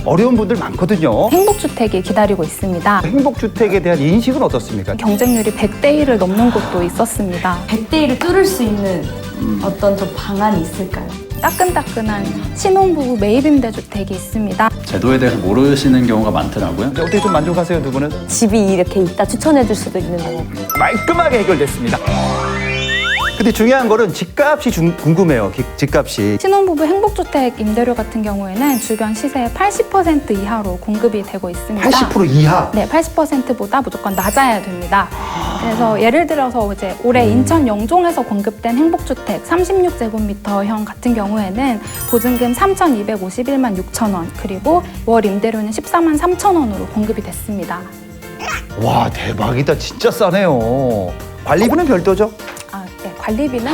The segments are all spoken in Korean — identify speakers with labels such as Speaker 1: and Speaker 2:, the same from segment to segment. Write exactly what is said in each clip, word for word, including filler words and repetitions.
Speaker 1: 어려운 분들 많거든요.
Speaker 2: 행복주택이 기다리고 있습니다.
Speaker 1: 행복주택에 대한 인식은 어떻습니까?
Speaker 2: 경쟁률이 백 대 일을 넘는 곳도 있었습니다.
Speaker 3: 백 대 일을 뚫을 수 있는 어떤 좀 방안이 있을까요?
Speaker 2: 따끈따끈한 신혼부부 매입임대주택이 있습니다.
Speaker 4: 제도에 대해서 모르시는 경우가 많더라고요.
Speaker 1: 어떻게 좀 만족하세요, 두 분은?
Speaker 3: 집이 이렇게 있다 추천해 줄 수도 있는 거고.
Speaker 1: 말끔하게 해결됐습니다. 근데 중요한 거는 집값이 중- 궁금해요. 기- 집값이.
Speaker 2: 신혼부부 행복주택 임대료 같은 경우에는 주변 시세의 팔십 퍼센트 이하로 공급이 되고 있습니다.
Speaker 1: 팔십 퍼센트 이하.
Speaker 2: 네, 팔십 퍼센트보다 무조건 낮아야 됩니다. 그래서 예를 들어서 이제 올해 인천 영종에서 공급된 행복주택 삼십육 제곱미터형 같은 경우에는 보증금 삼천이백오십일만 육천 원, 그리고 월 임대료는 십사만 삼천 원으로 공급이 됐습니다.
Speaker 1: 와, 대박이다. 진짜 싸네요. 관리비는 별도죠?
Speaker 2: 아, 네, 관리비는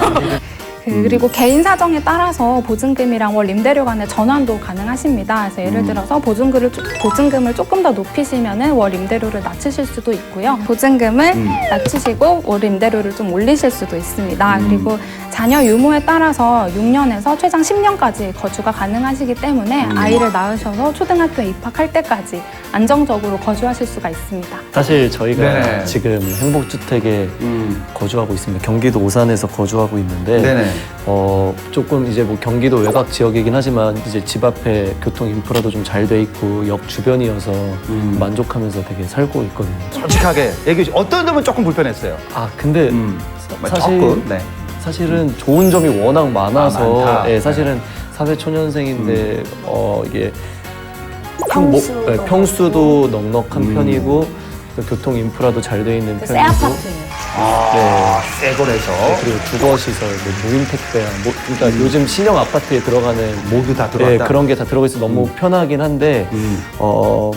Speaker 2: 그, 그리고 개인 사정에 따라서 보증금이랑 월 임대료 간의 전환도 가능하십니다. 그래서 예를 들어서 보증금을, 조- 보증금을 조금 더 높이시면은 월 임대료를 낮추실 수도 있고요. 보증금을
Speaker 1: 음.
Speaker 2: 낮추시고 월 임대료를 좀 올리실 수도 있습니다.
Speaker 1: 음.
Speaker 2: 그리고 자녀 유무에 따라서 육 년에서 최장 십 년까지 거주가 가능하시기 때문에
Speaker 1: 음.
Speaker 2: 아이를 낳으셔서 초등학교에 입학할 때까지 안정적으로 거주하실 수가 있습니다.
Speaker 5: 사실 저희가
Speaker 1: 네.
Speaker 5: 지금 행복주택에
Speaker 1: 음.
Speaker 5: 거주하고 있습니다. 경기도 오산에서 거주하고 있는데
Speaker 1: 네네.
Speaker 5: 어, 조금 이제 뭐 경기도 외곽 지역이긴 하지만 이제 집 앞에 교통 인프라도 좀 잘 돼 있고 역 주변이어서
Speaker 1: 음.
Speaker 5: 만족하면서 되게 살고 있거든요.
Speaker 1: 솔직하게 얘기해 주세요. 어떤 점은 조금 불편했어요?
Speaker 5: 아 근데
Speaker 1: 음.
Speaker 5: 사실
Speaker 1: 조금. 네.
Speaker 5: 사실은 좋은 점이 워낙 많아서
Speaker 1: 아, 많다.
Speaker 5: 예, 사실은 사회초년생인데 어, 이게
Speaker 3: 평수도
Speaker 5: 뭐, 예, 평수도 넉넉한
Speaker 1: 음.
Speaker 5: 편이고 또 교통 인프라도 잘 돼 있는
Speaker 3: 새
Speaker 5: 편이고
Speaker 3: 아파트예요.
Speaker 1: 아, 새 거래서.
Speaker 5: 네, 그리고 주거시설, 뭐 무인 택배랑 뭐 그러니까 요즘 신형 아파트에 들어가는
Speaker 1: 모두 다
Speaker 5: 예,
Speaker 1: 들어왔다.
Speaker 5: 그런 게 다 들어가 있어 너무 편하긴 한데
Speaker 1: 음.
Speaker 5: 어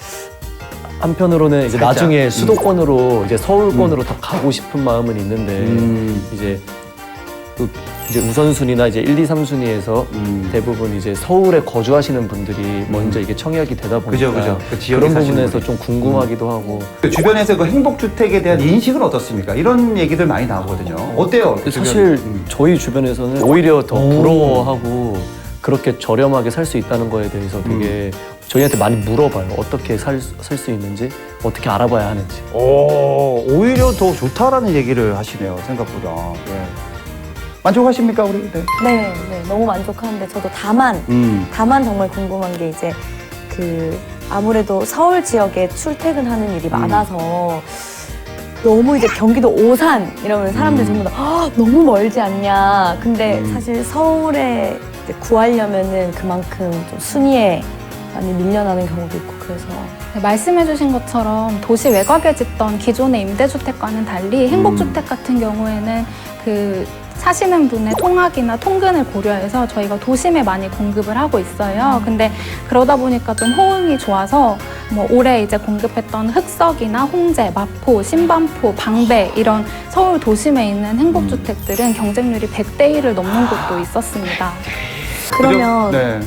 Speaker 5: 한편으로는 이제
Speaker 1: 살짝.
Speaker 5: 나중에 수도권으로 이제 서울권으로 더 가고 싶은 마음은 있는데
Speaker 1: 음.
Speaker 5: 이제 그 이제 우선순위나 이제 일, 이, 삼 순위에서
Speaker 1: 음.
Speaker 5: 대부분 이제 서울에 거주하시는 분들이 먼저 이게 청약이 되다 보니까
Speaker 1: 그죠, 그죠. 그 지역에
Speaker 5: 그런
Speaker 1: 사시는
Speaker 5: 부분에서
Speaker 1: 분이.
Speaker 5: 좀 궁금하기도 하고
Speaker 1: 그 주변에서 그 행복주택에 대한 인식은 어떻습니까? 이런 얘기들 많이 나오거든요. 어때요? 그 주변?
Speaker 5: 사실
Speaker 1: 음.
Speaker 5: 저희 주변에서는 오히려 더
Speaker 1: 오.
Speaker 5: 부러워하고 그렇게 저렴하게 살 수 있다는 거에 대해서 되게 저희한테 많이 물어봐요. 어떻게 살 수 있는지, 어떻게 알아봐야 하는지.
Speaker 1: 오, 오히려 더 좋다라는 얘기를 하시네요. 생각보다. 예. 만족하십니까, 우리? 네.
Speaker 3: 네, 네, 너무 만족하는데 저도 다만
Speaker 1: 음.
Speaker 3: 다만 정말 궁금한 게 이제 그 아무래도 서울 지역에 출퇴근하는 일이 많아서 너무 이제 경기도 오산 이러면 사람들이 전부 다 "아, 너무 멀지 않냐. 근데
Speaker 1: 음.
Speaker 3: 사실 서울에 이제 구하려면은 그만큼 좀 순위에 많이 밀려나는 경우도 있고 그래서
Speaker 2: 네, 말씀해주신 것처럼 도시 외곽에 짓던 기존의 임대주택과는 달리 행복주택 같은 경우에는 그 사시는 분의 통학이나 통근을 고려해서 저희가 도심에 많이 공급을 하고 있어요. 근데 그러다 보니까 좀 호응이 좋아서 뭐 올해 이제 공급했던 흑석이나 홍제, 마포, 신반포, 방배 이런 서울 도심에 있는 행복주택들은 경쟁률이 백 대 일을 넘는 곳도 있었습니다.
Speaker 3: 그러면
Speaker 1: 네.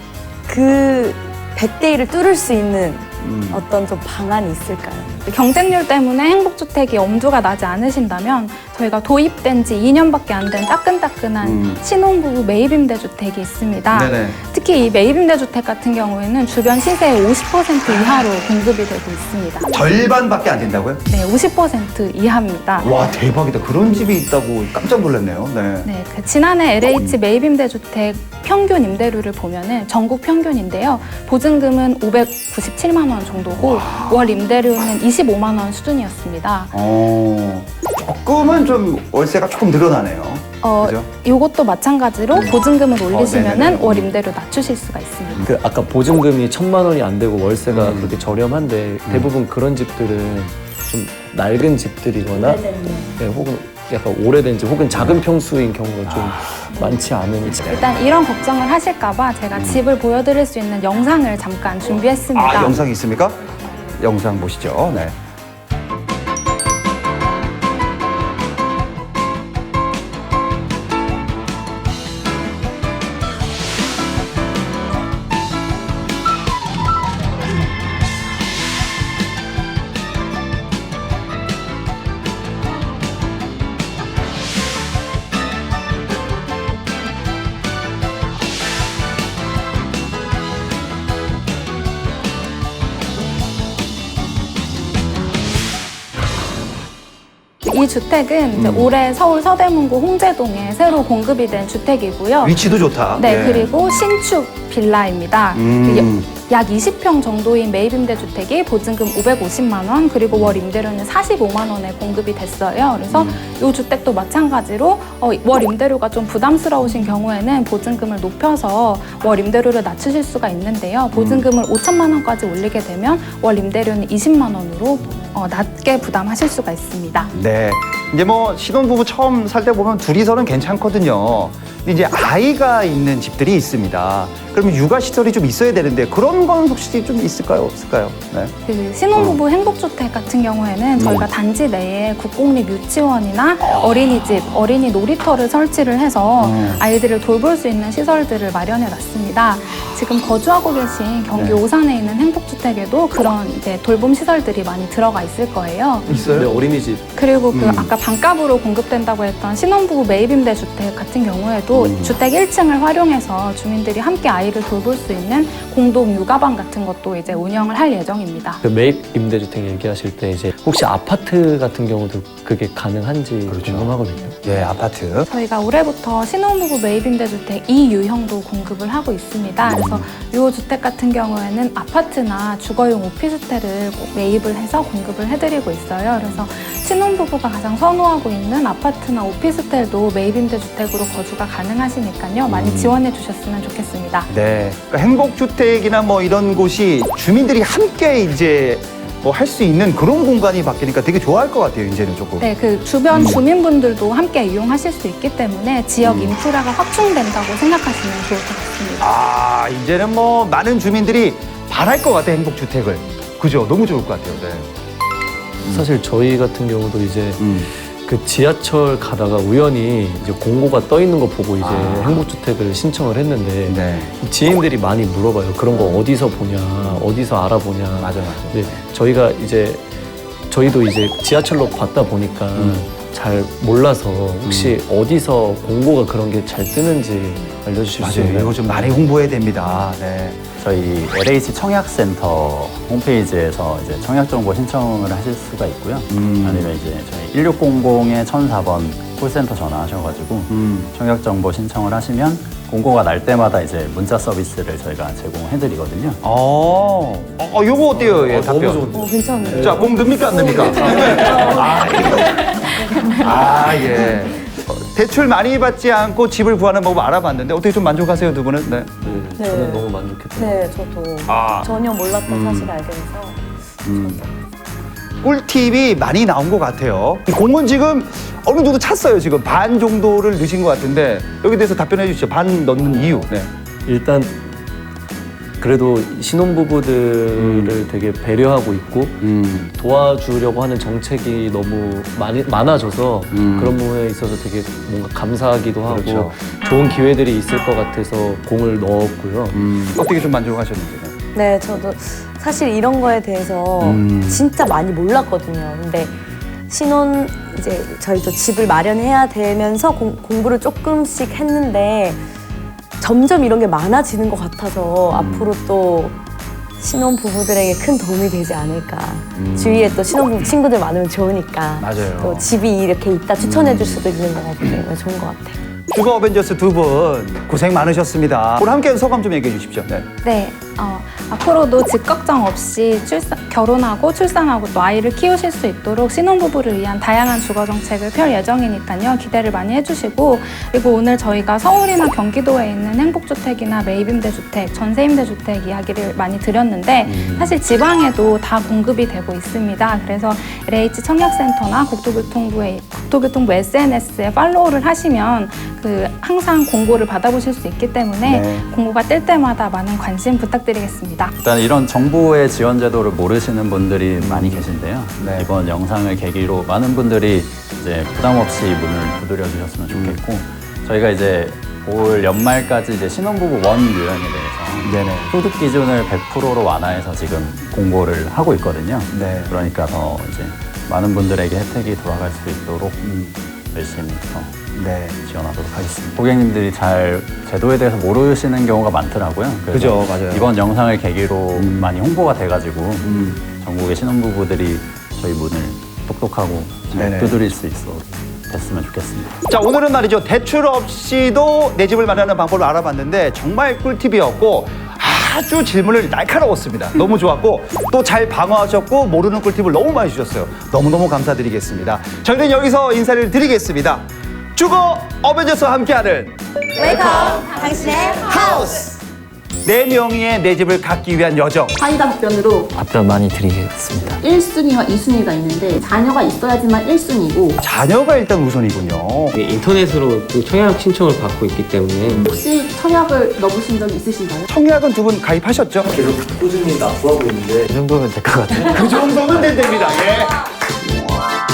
Speaker 3: 그 백 대 일을 뚫을 수 있는
Speaker 1: 음.
Speaker 3: 어떤 좀 방안이 있을까요?
Speaker 2: 경쟁률 때문에 행복주택이 엄두가 나지 않으신다면 저희가 도입된 지 이 년밖에 안 된 따끈따끈한
Speaker 1: 음.
Speaker 2: 신혼부부 매입임대주택이 있습니다.
Speaker 1: 네네.
Speaker 2: 특히 이 매입임대주택 같은 경우에는 주변 시세의 오십 퍼센트 이하로 공급이 되고 있습니다.
Speaker 1: 절반밖에 안 된다고요?
Speaker 2: 네, 오십 퍼센트 이하입니다.
Speaker 1: 와, 대박이다. 그런 집이 있다고 깜짝 놀랐네요. 네.
Speaker 2: 네, 그 지난해 엘에이치 매입임대주택 평균 임대료를 보면은 전국 평균인데요. 보증금은 오백구십칠만 원 정도고 월 임대료는 이십오만 원 수준이었습니다.
Speaker 1: 어, 조금은 좀 월세가 조금 늘어나네요.
Speaker 2: 어,
Speaker 1: 그죠?
Speaker 2: 이것도 마찬가지로 보증금을 올리시면은
Speaker 1: 네네네.
Speaker 2: 월 임대료 낮추실 수가 있습니다.
Speaker 5: 그 아까 보증금이 천만 원이 안 되고 월세가
Speaker 1: 음.
Speaker 5: 그렇게 저렴한데 대부분 그런 집들은 좀 낡은 집들이거나 네, 혹은 약간 오래된 집 혹은 작은 평수인 경우가 좀 많지 않은 집.
Speaker 2: 일단 이런 걱정을 하실까봐 제가 집을 보여드릴 수 있는 영상을 잠깐 준비했습니다.
Speaker 1: 아, 영상 있습니까? 영상 보시죠. 네.
Speaker 2: 이 주택은 이제
Speaker 1: 음.
Speaker 2: 올해 서울 서대문구 홍제동에 새로 공급이 된 주택이고요.
Speaker 1: 위치도 좋다.
Speaker 2: 네,
Speaker 1: 예.
Speaker 2: 그리고 신축 빌라입니다.
Speaker 1: 음.
Speaker 2: 약 이십 평 정도인 매입임대주택이 보증금 오백오십만 원, 그리고 월 임대료는 사십오만 원에 공급이 됐어요. 그래서 이 주택도 마찬가지로 어, 월 임대료가 좀 부담스러우신 경우에는 보증금을 높여서 월 임대료를 낮추실 수가 있는데요. 보증금을 오천만 원까지 올리게 되면 월 임대료는 이십만 원으로 어, 낮게 부담하실 수가 있습니다.
Speaker 1: 네. 이제 뭐 신혼부부 처음 살 때 보면 둘이서는 괜찮거든요. 근데 이제 아이가 있는 집들이 있습니다. 그러면 육아시설이 좀 있어야 되는데 그런 건 혹시 좀 있을까요? 없을까요? 네.
Speaker 2: 그 신혼부부 행복주택 같은 경우에는 저희가 단지 내에 국공립 유치원이나 어린이집, 어린이 놀이터를 설치를 해서
Speaker 1: 음.
Speaker 2: 아이들을 돌볼 수 있는 시설들을 마련해 놨습니다. 지금 거주하고 계신 경기
Speaker 1: 네.
Speaker 2: 오산에 있는 행복주택에도 그런 이제 돌봄 시설들이 많이 들어가 있을 거예요.
Speaker 1: 있어요?
Speaker 5: 네, 어린이집
Speaker 2: 그리고 그
Speaker 1: 음.
Speaker 2: 아까 반값으로 공급된다고 했던 신혼부부 매입임대 주택 같은 경우에도
Speaker 1: 음.
Speaker 2: 주택 일 층을 활용해서 주민들이 함께 아이를 돌볼 수 있는 공동 육아방 같은 것도 이제 운영을 할 예정입니다.
Speaker 5: 그 매입 임대주택 얘기하실 때 이제 혹시 아파트 같은 경우도 그게 가능한지
Speaker 1: 그렇죠.
Speaker 5: 궁금하거든요.
Speaker 1: 예, 아파트.
Speaker 2: 저희가 올해부터 신혼부부 매입임대주택 이 유형도 공급을 하고 있습니다. 그래서 이 주택 같은 경우에는 아파트나 주거용 오피스텔을 매입을 해서 공급을 해드리고 있어요. 그래서 신혼부부가 가장 선호하고 있는 아파트나 오피스텔도 매입임대주택으로 거주가 가능하시니까요. 많이 지원해 주셨으면 좋겠습니다.
Speaker 1: 네. 그러니까 행복주택이나 뭐 이런 곳이 주민들이 함께 이제 뭐 할 수 있는 그런 공간이 바뀌니까 되게 좋아할 것 같아요, 이제는 조금.
Speaker 2: 네, 그 주변 주민분들도 함께 이용하실 수 있기 때문에 지역
Speaker 1: 음.
Speaker 2: 인프라가 확충된다고 생각하시면 좋을 것 같습니다.
Speaker 1: 아, 이제는 뭐 많은 주민들이 바랄 것 같아, 행복주택을. 그죠? 너무 좋을 것 같아요, 네.
Speaker 5: 사실 저희 같은 경우도 이제
Speaker 1: 음.
Speaker 5: 그 지하철 가다가 우연히 이제 공고가 떠 있는 거 보고 이제
Speaker 1: 아.
Speaker 5: 행복주택을 신청을 했는데
Speaker 1: 네.
Speaker 5: 지인들이 많이 물어봐요. 그런 거 어디서 보냐, 어디서 알아보냐.
Speaker 1: 맞아, 맞아.
Speaker 5: 근데 저희가 이제 저희도 이제 지하철로 봤다 보니까
Speaker 1: 음.
Speaker 5: 잘 몰라서 혹시 어디서 공고가 그런 게 잘 뜨는지 알려주실 수
Speaker 1: 맞아요.
Speaker 5: 있나요?
Speaker 1: 이거 좀 많이 홍보해야 됩니다. 네.
Speaker 4: 저희 엘에이치 청약센터 홈페이지에서 이제 청약 정보 신청을 하실 수가 있고요.
Speaker 1: 음.
Speaker 4: 아니면 이제 저희 일육공공에 천사 번 콜센터 전화하셔가지고
Speaker 1: 음.
Speaker 4: 청약 정보 신청을 하시면 공고가 날 때마다 이제 문자 서비스를 저희가 제공해드리거든요.
Speaker 1: 어, 어, 요거 어때요? 예,
Speaker 5: 어,
Speaker 1: 답변.
Speaker 5: 너무 좋은데.
Speaker 3: 어, 괜찮네요.
Speaker 1: 자, 공 듭니까, 안 듭니까? 아, 예. 아, 예. 어, 대출 많이 받지 않고 집을 구하는 방법 알아봤는데 어떻게 좀 만족하세요, 두 분은? 네.
Speaker 5: 네,
Speaker 3: 네.
Speaker 5: 저는 너무 만족했어요.
Speaker 3: 네, 저도
Speaker 1: 아.
Speaker 3: 전혀 몰랐던
Speaker 1: 음.
Speaker 3: 사실을 알게 돼서
Speaker 1: 꿀팁이 많이 나온 것 같아요. 이 공은 지금 어느 정도 찼어요, 지금. 반 정도를 넣으신 것 같은데 여기 대해서 답변해 주시죠. 반 넣는 이유. 네.
Speaker 5: 일단 그래도 신혼부부들을
Speaker 1: 음.
Speaker 5: 되게 배려하고 있고
Speaker 1: 음.
Speaker 5: 도와주려고 하는 정책이 너무 많이 많아져서
Speaker 1: 음.
Speaker 5: 그런 부분에 있어서 되게 뭔가 감사하기도 하고
Speaker 1: 그렇죠.
Speaker 5: 좋은 기회들이 있을 것 같아서 공을 넣었고요.
Speaker 1: 음. 어떻게 좀 만족하셨는지.
Speaker 3: 네, 저도 사실 이런 거에 대해서
Speaker 1: 음.
Speaker 3: 진짜 많이 몰랐거든요. 근데 신혼 이제 저희도 집을 마련해야 되면서 공, 공부를 조금씩 했는데 점점 이런 게 많아지는 것 같아서
Speaker 1: 음.
Speaker 3: 앞으로 또 신혼 부부들에게 큰 도움이 되지 않을까.
Speaker 1: 음.
Speaker 3: 주위에 또 신혼부부 친구들 많으면 좋으니까.
Speaker 1: 맞아요.
Speaker 3: 또 집이 이렇게 있다 추천해 줄
Speaker 1: 음.
Speaker 3: 수도 있는 것 같고 좋은 것 같아요.
Speaker 1: 주거 어벤져스 두 분 고생 많으셨습니다. 오늘 함께 소감 좀 얘기해 주십시오. 네.
Speaker 2: 네, 어, 앞으로도 집 걱정 없이 출산, 결혼하고 출산하고 또 아이를 키우실 수 있도록 신혼부부를 위한 다양한 주거 정책을 펼 예정이니까요. 기대를 많이 해주시고, 그리고 오늘 저희가 서울이나 경기도에 있는 행복주택이나 매입임대주택, 전세임대주택 이야기를 많이 드렸는데
Speaker 1: 음.
Speaker 2: 사실 지방에도 다 공급이 되고 있습니다. 그래서 엘에이치 청약센터나 국토교통부의 국토교통부 에스엔에스에 팔로우를 하시면 그 항상 공고를 받아보실 수 있기 때문에
Speaker 1: 네.
Speaker 2: 공고가 뜰 때마다 많은 관심 부탁드리겠습니다.
Speaker 4: 일단 이런 정부의 지원 제도를 모르시는 분들이 많이 계신데요.
Speaker 1: 네.
Speaker 4: 이번 영상을 계기로 많은 분들이 이제 부담 없이 문을 두드려 주셨으면 좋겠고 저희가 이제 올 연말까지 이제 신혼부부 원 유형에 대해서
Speaker 1: 네네.
Speaker 4: 소득 기준을 백 퍼센트로 완화해서 지금 공고를 하고 있거든요.
Speaker 1: 네.
Speaker 4: 그러니까 더 이제 많은 분들에게 혜택이 돌아갈 수 있도록
Speaker 1: 음.
Speaker 4: 열심히 더
Speaker 1: 네.
Speaker 4: 지원하도록 하겠습니다. 고객님들이 잘 제도에 대해서 모르시는 경우가 많더라고요. 그래서
Speaker 1: 그죠, 맞아요.
Speaker 4: 이번 영상을 계기로
Speaker 1: 음.
Speaker 4: 많이 홍보가 돼가지고
Speaker 1: 음.
Speaker 4: 전국의 신혼부부들이 저희 문을 똑똑하고 잘
Speaker 1: 네네.
Speaker 4: 두드릴 수 있어 됐으면 좋겠습니다.
Speaker 1: 자, 오늘은 말이죠. 대출 없이도 내 집을 마련하는 방법을 알아봤는데 정말 꿀팁이었고 아주 질문을 날카로웠습니다. 너무 좋았고 또 잘 방어하셨고 모르는 꿀팁을 너무 많이 주셨어요. 너무너무 감사드리겠습니다. 저희는 여기서 인사를 드리겠습니다. 주거 어벤져스와 함께하는
Speaker 3: 웰컴 당신의
Speaker 1: 하우스! 네 명의 내 집을 갖기 위한 여정.
Speaker 6: 사이다 답변으로
Speaker 5: 답변 많이 드리겠습니다.
Speaker 6: 일 순위와 이 순위가 있는데 자녀가 있어야지만 일 순위고
Speaker 1: 자녀가 일단 우선이군요.
Speaker 7: 이게 인터넷으로 그 청약 신청을 받고 있기 때문에
Speaker 6: 혹시 청약을 넣으신 적 있으신가요?
Speaker 1: 청약은 두 분 가입하셨죠?
Speaker 5: 계속 꾸준히 납부하고 있는데 이 정도면 될 것 같아요.
Speaker 1: 그 정도면 된답니다. 예.